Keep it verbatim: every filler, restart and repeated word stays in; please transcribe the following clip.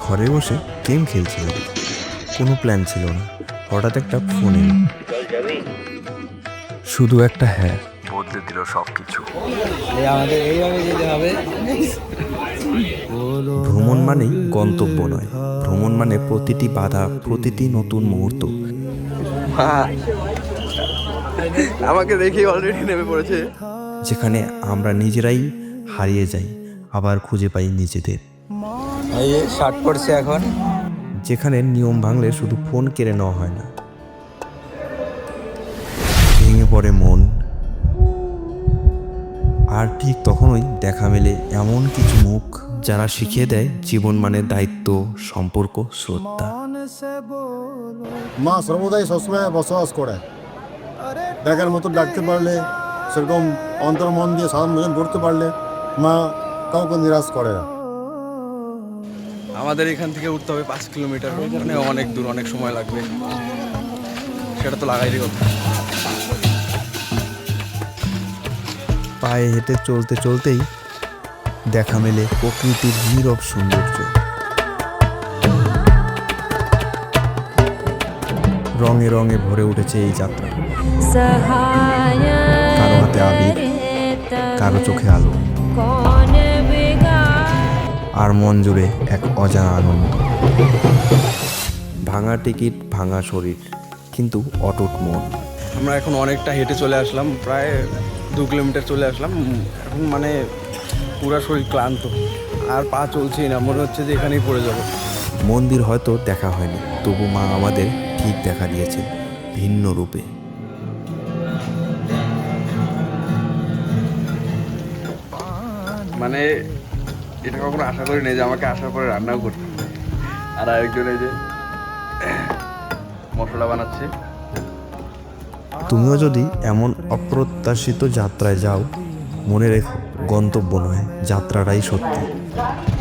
ঘরে বসে গেম খেলছিলাম, কোনো প্ল্যান ছিল না। হঠাৎ একটা ফোন এলো, শুধু একটা হ্যাঁ বদলে দিল সব কিছু। আমাদের এইভাবে যেতে হবে। ভ্রমণ মানেই গন্তব্য নয়, ভ্রমণ মানে প্রতিটি বাধা, প্রতিটি নতুন মুহূর্ত। আমাকে দেখে অলরেডি নেমে পড়েছে। যেখানে আমরা নিজেরাই হারিয়ে যাই, আবার খুঁজে পাই নিজেদের। এই শার্ট পড়ছে এখন। যেখানে নিয়ম ভাঙলে শুধু ফোন কেড়ে নেওয়া হয় না, ভেঙে পড়ে মন। আর ঠিক তখনই দেখা মেলে এমন কিছু মুখ যারা শিখিয়ে দেয় জীবন মানে দায়িত্ব, সম্পর্ক, শ্রদ্ধা। মা সর্বদাই সবসময় বসবাস করে, দেখার মতো ডাকতে পারলে, সেরকম অন্তর মন দিয়ে সাধারণ ভোজন করতে পারলে মা কাউকে নিরাশ করে না। আমাদের এখান থেকে উঠতে হবে পাঁচ কিলোমিটার, মানে অনেক দূর, অনেক সময় লাগবে। সেটা তো লাগাইরই কথা। পায়ে হেঁটে চলতে চলতেই দেখা মেলে প্রকৃতির নীরব সৌন্দর্য। রঙে রঙে ভরে উঠেছে এই যাত্রা। কারো হাতে আবির, কারো চোখে আলো, আর মন জুড়ে এক অজানা আনন্দ। ভাঙা টিকিট, ভাঙা শরীর, কিন্তু অটুট মন। আমরা এখন অনেকটা হেঁটে চলে আসলাম, প্রায় দু কিলোমিটার চলে আসলাম। এখন মানে পুরা শরীর ক্লান্ত, আর পা চলছেই না, মনে হচ্ছে যে এখানেই পড়ে যাবো। মন্দির হয়তো দেখা হয়নি, তবু মা আমাদের ঠিক দেখা দিয়েছেন, ভিন্ন রূপে। মানে এটা কখনো আশা করি নাই যে আমাকে আসার পরে রান্নাও করতে হবে। আর আরেকজন এই যে মশলা বানাচ্ছে। তুমিও যদি এমন অপ্রত্যাশিত যাত্রায় যাও, মনে রেখো গন্তব্য নয়, যাত্রাটাই সত্যি।